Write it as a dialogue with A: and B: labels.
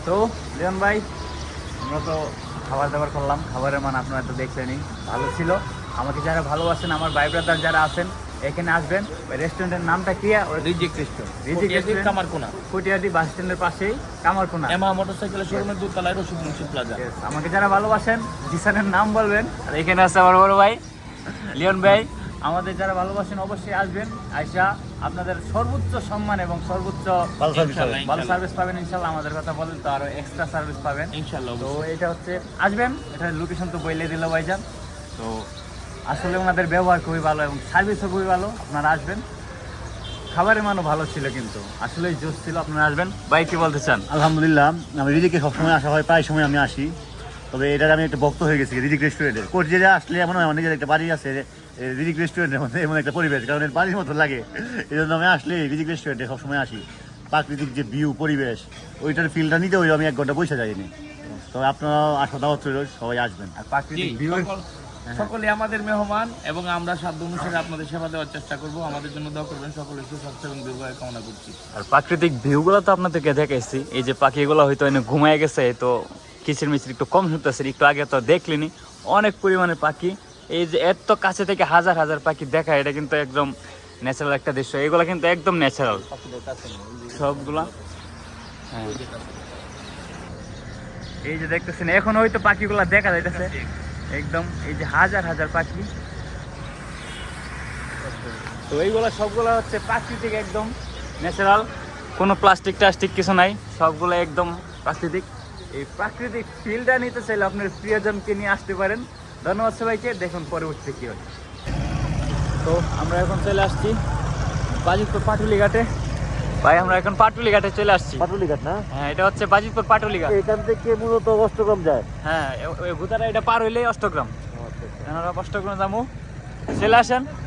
A: তো লিওন ভাই, আমরা তো খাবার দাবার করলাম, খাবারের মান আপনারা তো দেখলেনই, ভালো ছিল। আমাকে যারা ভালোবাসেন, আমার ভাই ব্রাদার যারা আছেন, এখানে আসবেন। রেস্টুরেন্টের নামটা কি?
B: রিজিক রেস্টুরেন্ট,
A: রিজিক রেস্টুরেন্ট,
B: কামারকোনা,
A: কুটিয়াদি বাস স্ট্যান্ডের পাশেই কামারকোনা,
B: এমা মোটরসাইকেলের শোরুমের দোতলায় রশিদ মুন্সি প্লাজা।
A: Yes, আমাকে যারা ভালোবাসেন জিসানের নাম বলবেন। আর এখানে আছে আমার বড় ভাই লিওন ভাই। আমাদের যারা ভালোবাসেন অবশ্যই আসবেন, আইসা আপনাদের সর্বোচ্চ সম্মান এবং সর্বোচ্চ ভালো সার্ভিস পাবেন ইনশাল্লাহ। আমাদের কথা বলেন তো আরো এক্সট্রা সার্ভিস পাবেন
B: ইনশাআল্লাহ।
A: তো এটা হচ্ছে আসবেন, এটা লোকেশন তো বইলে দিল ভাইজান। তো আসলে ওনাদের ব্যবহার খুবই ভালো এবং সার্ভিসও খুবই ভালো, আপনারা আসবেন। খাবারের মানও ভালো ছিল, কিন্তু আসলে জোশ ছিল, আপনারা আসবেন। ভাই কি বলতে চান?
C: আলহামদুলিল্লাহ, আমি রিজিকে সবসময় আসা হয়, প্রায় সময় আমি আসি। তবে এটার আমি একটা ভক্ত হয়ে গেছি রিজিক রেস্টুরেন্টের। কোচবিহারে আসলে এমন হয় আমার নিজের একটা বাড়ি আছে রিজিক রেস্টুরেন্টের মধ্যে, এমন একটা পরিবেশ, কারণ এর বাড়ির মতো লাগে। এই জন্য আমি আসলে রিজিক রেস্টুরেন্টে সবসময় আসি। প্রাকৃতিক যে ভিউ, পরিবেশ, ওইটার ফিলটা নিতে ওই আমি 1 ঘন্টা বসে যাইনি। তবে আপনারা আসা দাওয়াত রইল, সবাই আসবেন।
A: আর প্রাকৃতিক ভিউ
B: সকলে আমাদের মেহমান এবং আমরা সাধ্য অনুসারে আপনাদের সেবা দেওয়ার চেষ্টা করব। আমাদের জন্য দোয়া করবেন। সকলে সুস্বাস্থ্য এবং দীর্ঘায়ু কামনা করছি।
A: আর প্রাকৃতিক ভিউগুলো তো আপনাদেরকে দেখাইছি। এই যে পাখিগুলো হয়তো এনে ঘুমায় গেছে, তো কিচির মিচির একটু কম শুনতেছে, একটু আগে তো দেখলেনি অনেক পরিমাণে পাখি। এই যে এত কাছে থেকে হাজার হাজার পাখি দেখা, এটা কিন্তু একদম ন্যাচারাল একটা দৃশ্য। এগুলো কিন্তু একদম ন্যাচারাল সবগুলা। হ্যাঁ, এই যে দেখতেছেন এখন হয়তো পাখিগুলা দেখা যাইতেছে একদম, এই যে হাজার হাজার পাখি। তো এইগুলো সবগুলো হচ্ছে প্রাকৃতিক, একদম ন্যাচারাল, কোনো প্লাস্টিক টাস্টিক কিছু নাই, সবগুলো একদম প্রাকৃতিক। এই প্রাকৃতিক ফিলটা নিতে চাইলে আপনার প্রিয়জনকে নিয়ে আসতে পারেন। ধন্যবাদ সবাইকে, দেখুন পরবর্তীতে কী হয়। তো আমরা এখন চলে আসছি বাজিতপুর পাটুলি ঘাটে। ভাই আমরা এখন পাটুলি ঘাটে চলে আসছি।
C: পাটুলি ঘাট না?
A: হ্যাঁ, এটা হচ্ছে বাজিতপুর পাটুলি ঘাট।
C: এখান থেকে মূলত অষ্টগ্রাম যায়।
A: হ্যাঁ, ওই ভূতারা এটা পার হইলেই অষ্টগ্রাম। অষ্টগ্রাম যাবো, চলে আসেন।